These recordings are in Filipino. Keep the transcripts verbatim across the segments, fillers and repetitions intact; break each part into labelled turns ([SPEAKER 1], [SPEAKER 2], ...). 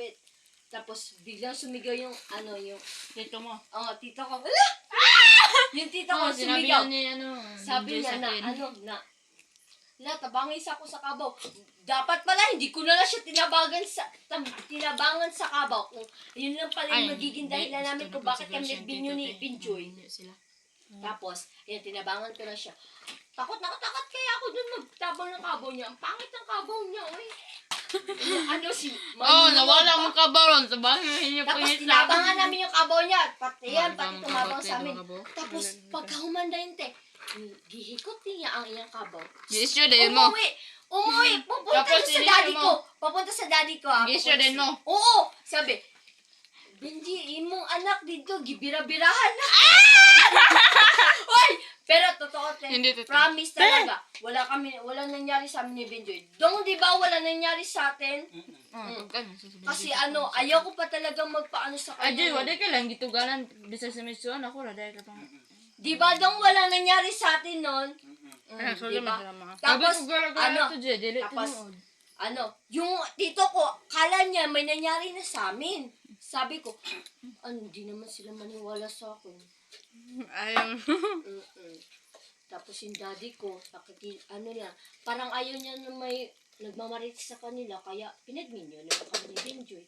[SPEAKER 1] malapit. Tapos biglang sumigaw yung ano yung
[SPEAKER 2] Tito mo.
[SPEAKER 1] oh tito ko. Wala! Ah! Yung tito ko
[SPEAKER 2] Oh, sinabi
[SPEAKER 1] sumigaw.
[SPEAKER 2] niya ni ano.
[SPEAKER 1] Sabi
[SPEAKER 2] Binjoy
[SPEAKER 1] niya
[SPEAKER 2] sa
[SPEAKER 1] na
[SPEAKER 2] akin.
[SPEAKER 1] ano na na tabangis ako sa kabaw. Dapat pala hindi ko na lang siya tinabagan sa tab, tinabangan sa kabaw. Kung yun lang pala yung magiging dahilan namin kung bakit kami nagbinyo ni Binjoy.
[SPEAKER 2] Sila.
[SPEAKER 1] Tapos, ayan, tinabangan ko na siya. Takot na takot kaya ako dun magtabang ng kabaw niya. Ang pangit ng kabaw niya, oy. ano si...
[SPEAKER 2] Oh, nawala mo kabaron sa bahay niyo.
[SPEAKER 1] Tapos tinabangan namin yung kabaw niya. Pati yan, pati tumabang sa amin. Tapos, pagka humanda yun, te, gihikot niya ang iyang kabaw.
[SPEAKER 2] Gisyo din mo.
[SPEAKER 1] Umuwi! Umuwi! Pupunta
[SPEAKER 2] Tapos,
[SPEAKER 1] sa
[SPEAKER 2] inisyo
[SPEAKER 1] daddy
[SPEAKER 2] mo.
[SPEAKER 1] ko. Papunta sa daddy ko. ah.
[SPEAKER 2] Gisyo din mo.
[SPEAKER 1] Oo! Sabi, Benji, imong anak dito, gibira-birahan na. Hoy! Pero totoo, te.
[SPEAKER 2] Hindi totoo.
[SPEAKER 1] Promise talaga. Wala kami, wala nangyari sa amin ni Benjoy. Dong, di ba wala nangyari sa atin?
[SPEAKER 2] Mm.
[SPEAKER 1] Kasi ano, ayaw ko pa talagang magpaano sa
[SPEAKER 2] Ajay,
[SPEAKER 1] kanya.
[SPEAKER 2] wala ka lang gitugalan bisa sa misyon ako ra dahil ka pang.
[SPEAKER 1] Di ba dong wala nangyari sa atin nun? Mm,
[SPEAKER 2] Ah, so
[SPEAKER 1] di
[SPEAKER 2] lang
[SPEAKER 1] ba?
[SPEAKER 2] masama.
[SPEAKER 1] Tapos, ano,
[SPEAKER 2] to je, dili
[SPEAKER 1] tapos,
[SPEAKER 2] tinuod.
[SPEAKER 1] ano, yung tito ko, kala niya may nangyari na sa amin. Sabi ko, ano, di naman sila maniwala sa akin.
[SPEAKER 2] Ayun.
[SPEAKER 1] Mm-mm. Tapos yung daddy ko, nakiki, ano niya, parang ayaw niya na may nagmamarit sa kanila, kaya pinagminyo naman kami ni Benjoy.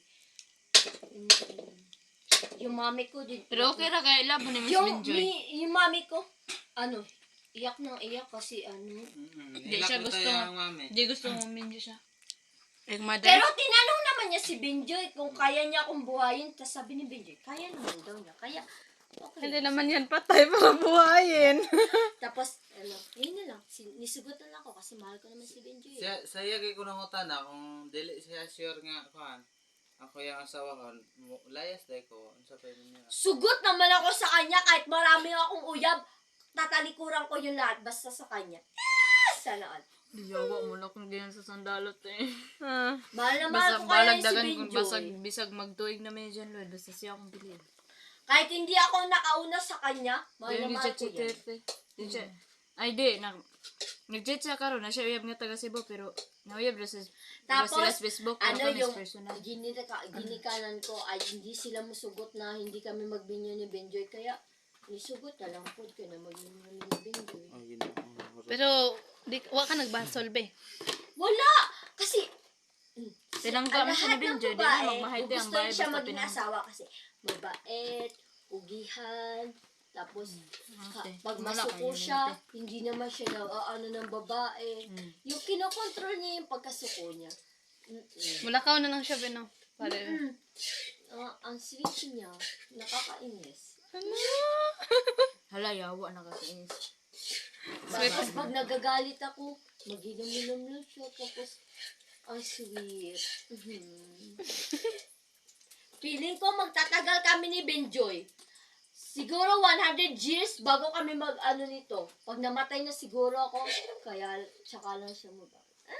[SPEAKER 1] Mm-mm. Yung mami ko din.
[SPEAKER 2] Pero okay ra kay labo ni Miss
[SPEAKER 1] Yung,
[SPEAKER 2] Benjoy.
[SPEAKER 1] mi, yung mami ko, ano, iyak nang iyak kasi ano.
[SPEAKER 2] Hindi siya gusto. Hindi gusto mo Benjoy siya. Like mother.
[SPEAKER 1] Pero tinanong naman niya si Benjoy kung kaya niya akong buhayin. Tapos sabi ni Benjoy, kaya naman daw niya. Kaya, okay.
[SPEAKER 3] Hindi naman yan patay para buhayin.
[SPEAKER 1] Tapos, ano, yun na lang. Sin- nisugutan lang ako kasi mahal ko naman si Benjoy.
[SPEAKER 4] Siya, saya kay ko nangutan na kung dili siya sure nga kuan. Ako yung asawa ko, mo- layas dahil ko. Ano sa pwede niya?
[SPEAKER 1] Sugot naman ako sa kanya kahit marami akong uyab. Tatalikuran ko yung lahat basta sa kanya. Yes! Sana all.
[SPEAKER 2] Diyawa mo na kung ganyan sa sandalot eh.
[SPEAKER 3] Ah.
[SPEAKER 1] Mahal na mahal
[SPEAKER 2] Basag
[SPEAKER 1] ko kaya
[SPEAKER 2] balag
[SPEAKER 1] yun si
[SPEAKER 2] dagan kung basag
[SPEAKER 1] Benjoy.
[SPEAKER 2] bisag magtuig na may dyan Lord. Basta siya akong bilhin.
[SPEAKER 1] Kahit hindi ako nakauna sa kanya, mahal na
[SPEAKER 2] Hindi
[SPEAKER 1] mahal
[SPEAKER 2] siya
[SPEAKER 1] ko yan.
[SPEAKER 2] chitete. Di siya. Ay di. Na, nag-chat siya karon na siya uyab nga taga Cebu pero nauyab na sa
[SPEAKER 1] Tapos,
[SPEAKER 2] sila sa Facebook.
[SPEAKER 1] ano
[SPEAKER 2] Ano
[SPEAKER 1] yung
[SPEAKER 2] personal.
[SPEAKER 1] ginika, ginikanan ko ay hindi sila musugot na hindi kami magbinyo ni Benjoy. Kaya, nisugot na lang po ka na magbinyo ni Benjoy.
[SPEAKER 4] Oh, yun na.
[SPEAKER 3] Pero, di, wa ka nagbasolbe.
[SPEAKER 1] Wala! Kasi,
[SPEAKER 2] Tinangga mo siya ni Benjoy. Di na magmahal tayo ang
[SPEAKER 1] gusto
[SPEAKER 2] bahay
[SPEAKER 1] siya
[SPEAKER 2] basta
[SPEAKER 1] maging
[SPEAKER 2] pinang.
[SPEAKER 1] asawa kasi mabait, ugihan, tapos ka-
[SPEAKER 2] Okay.
[SPEAKER 1] pag
[SPEAKER 2] Wala
[SPEAKER 1] masuko
[SPEAKER 2] kayo,
[SPEAKER 1] siya, hindi naman siya na ano ng babae.
[SPEAKER 2] Hmm.
[SPEAKER 1] Yung kinokontrol niya yung pagkasuko niya. Mm-mm.
[SPEAKER 3] Mulakaw na lang siya, Beno. Pare.
[SPEAKER 1] Mm. Ah, ang sweet niya, nakakainis.
[SPEAKER 2] Hala, yawa na kakainis.
[SPEAKER 1] Tapos pag nagagalit ako, mag-inom-inom lang siya. Tapos, ang sweet. Mhm. Feeling ko magtatagal kami ni Benjoy. Siguro one hundred years bago kami mag-ano nito. Pag namatay na siguro ako, kaya tsaka lang siya mag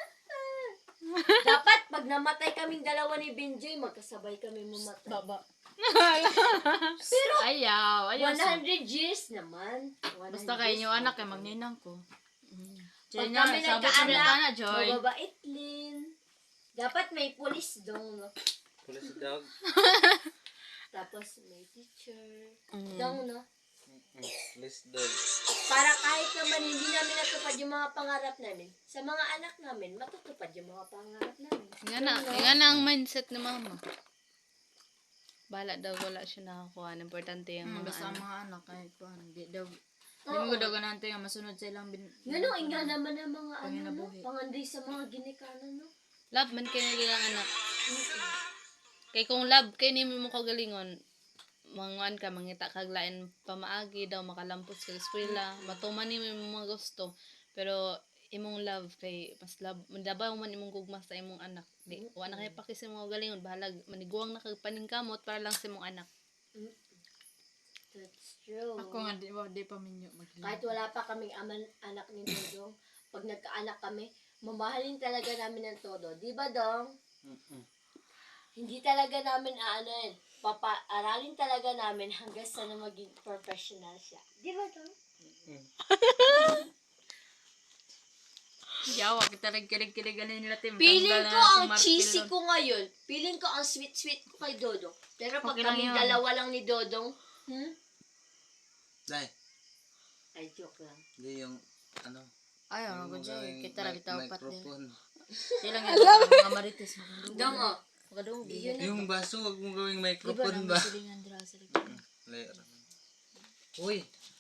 [SPEAKER 1] Dapat pag namatay kaming dalawa ni Benjoy, magkasabay kami mamatay.
[SPEAKER 3] Baba.
[SPEAKER 1] Pero
[SPEAKER 2] Ayaw, ayaw.
[SPEAKER 1] one hundred years naman. one hundred
[SPEAKER 2] Basta kayo
[SPEAKER 1] years
[SPEAKER 2] yung anak
[SPEAKER 1] naman.
[SPEAKER 2] kay magninang ko.
[SPEAKER 1] Pag
[SPEAKER 2] Diyan
[SPEAKER 1] kami
[SPEAKER 2] na, sabi ko rin ka na,
[SPEAKER 1] nagkaanak,
[SPEAKER 2] Joy.
[SPEAKER 1] mababait din. Dapat may police dong. no?
[SPEAKER 4] Police dog.
[SPEAKER 1] Tapos may teacher.
[SPEAKER 3] Mm.
[SPEAKER 1] Dong, no?
[SPEAKER 4] Police dog.
[SPEAKER 1] Para kahit naman hindi namin natupad yung mga pangarap namin, sa mga anak namin, matutupad yung mga pangarap namin.
[SPEAKER 3] Nga na, nga na ang mindset ni mama. Bala daw, wala siya nakakuha. Importante yung
[SPEAKER 2] Hmm,
[SPEAKER 3] mga
[SPEAKER 2] basta ang
[SPEAKER 3] ano.
[SPEAKER 2] mga anak kahit ko ano, di daw. Di
[SPEAKER 1] Oo.
[SPEAKER 2] mo daw ganante nga masunod sa ilang bin.
[SPEAKER 1] Ganun, nga naman ang mga ano, no?
[SPEAKER 2] Panginabuhi.
[SPEAKER 1] Panganday sa mga ginikanan, no?
[SPEAKER 3] Love man kayo nilang anak. Kay kung love kay ni mo kagalingon, manguan ka mangita kag lain pamaagi daw makalampos sa eskwela, matuman ni mo yung mga gusto. Pero imong love kay mas love dabaw man imong gugma sa imong anak. Di wa na kay pakis imong galingon bahalag maniguang na kag paningkamot para lang sa imong anak.
[SPEAKER 1] That's true.
[SPEAKER 2] Ako nga di ba di pa minyo magli.
[SPEAKER 1] Kahit wala pa kaming aman, anak ni Dodong, pag nagkaanak kami, mamahalin talaga namin ng todo. Di ba, Dong?
[SPEAKER 4] Mm-mm.
[SPEAKER 1] Hindi talaga namin aanin. Papa-aralin talaga namin hanggang sa na maging professional siya. Di ba, Dong?
[SPEAKER 2] Yawa, kita nagkilig-kilig ganin nila, Tim.
[SPEAKER 1] Feeling
[SPEAKER 2] Tanggal
[SPEAKER 1] ko
[SPEAKER 2] na
[SPEAKER 1] ang
[SPEAKER 2] natin Mark
[SPEAKER 1] cheesy
[SPEAKER 2] Pilon.
[SPEAKER 1] ko ngayon. Feeling ko ang sweet-sweet ko kay Dodong. Pero pag
[SPEAKER 2] Okay lang
[SPEAKER 1] kami
[SPEAKER 2] yun.
[SPEAKER 1] dalawa lang ni Dodong, hmm?
[SPEAKER 4] Dai,
[SPEAKER 1] Ay, joke lang.
[SPEAKER 4] hindi yung, ano,
[SPEAKER 2] Ay,
[SPEAKER 4] yung
[SPEAKER 2] ano ko dyan.
[SPEAKER 4] gawing
[SPEAKER 2] Kita na
[SPEAKER 4] mic-
[SPEAKER 2] bitaw pat nila.
[SPEAKER 4] microphone.
[SPEAKER 2] Silang yung mga marites.
[SPEAKER 1] Dong, oh.
[SPEAKER 2] Magadong,
[SPEAKER 1] Di yun na.
[SPEAKER 4] Yung baso, wag mong gawing
[SPEAKER 2] Di ba
[SPEAKER 4] microphone
[SPEAKER 2] nang
[SPEAKER 4] ba?
[SPEAKER 2] masilingan dira sa likod?
[SPEAKER 4] Layer. Uy,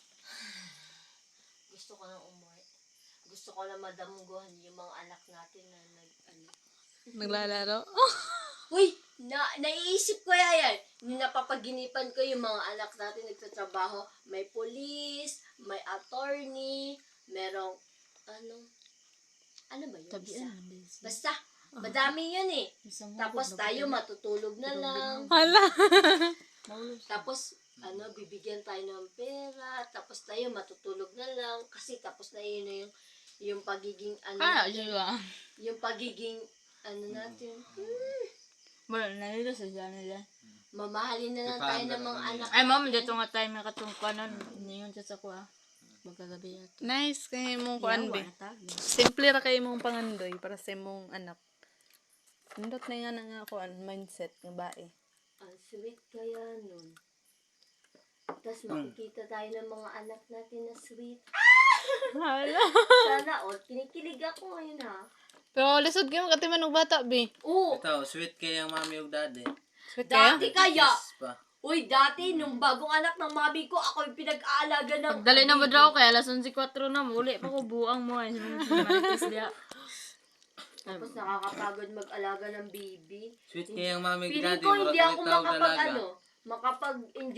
[SPEAKER 1] Gusto ko nang umuwi. Gusto ko lang madamguhan yung mga anak natin na nag, ano.
[SPEAKER 3] Naglalaro.
[SPEAKER 1] Uy, na, naiisip ko yan. Napapaginipan ko yung mga anak natin nagtatrabaho. May police, may attorney, merong, ano, ano ba yun? Isa? Basta, madami yun eh. Tapos tayo matutulog na lang.
[SPEAKER 3] Hala.
[SPEAKER 1] Tapos, ano, bibigyan tayo ng pera. Tapos tayo matutulog na lang. Kasi tapos na yun na yung, yung pagiging, ano,
[SPEAKER 3] Kaya siya.
[SPEAKER 1] yung pagiging, ano natin, hmm,
[SPEAKER 2] Wala, nalito sa dyan nila.
[SPEAKER 1] mamahalin na lang tayo ng mga anak.
[SPEAKER 2] Ay, ma'am, dito nga tayo nakatungkanan. Niyon siya sa kuha. Magkagabi yato.
[SPEAKER 3] Nice kay mong kuan
[SPEAKER 2] Yawa
[SPEAKER 3] be.
[SPEAKER 2] na tagi.
[SPEAKER 3] Simple ra kay mong pangandoy para sa imong anak. Nindot na nga na nga kuan mindset nga bae.
[SPEAKER 1] Ang sweet kaya nun. Tapos makikita tayo ng mga anak natin na sweet.
[SPEAKER 3] Hala.
[SPEAKER 1] Sana all, kinikilig ako ngayon ha.
[SPEAKER 3] Pero lisod kayo katiman og bata be.
[SPEAKER 1] Oo,
[SPEAKER 4] ito, sweet kaya ang mami og daddy.
[SPEAKER 3] Sweet kayo?
[SPEAKER 1] dati kaya.
[SPEAKER 4] Kiss pa.
[SPEAKER 1] Uy, dati, nung bagong anak ng mami ko, ako yung pinag-aalaga ng...
[SPEAKER 2] Dali na ba daw kaya alas eleven four na muli pa ko buang mo ay marites diya.
[SPEAKER 1] Tapos nakakapagod mag-alaga ng baby.
[SPEAKER 4] Sweet kaya ang mami og
[SPEAKER 1] Feeling
[SPEAKER 4] daddy.
[SPEAKER 1] ko hindi
[SPEAKER 4] murag
[SPEAKER 1] ako
[SPEAKER 4] may tawag
[SPEAKER 1] makapag,
[SPEAKER 4] dalaga.
[SPEAKER 1] ano, makapag-enjoy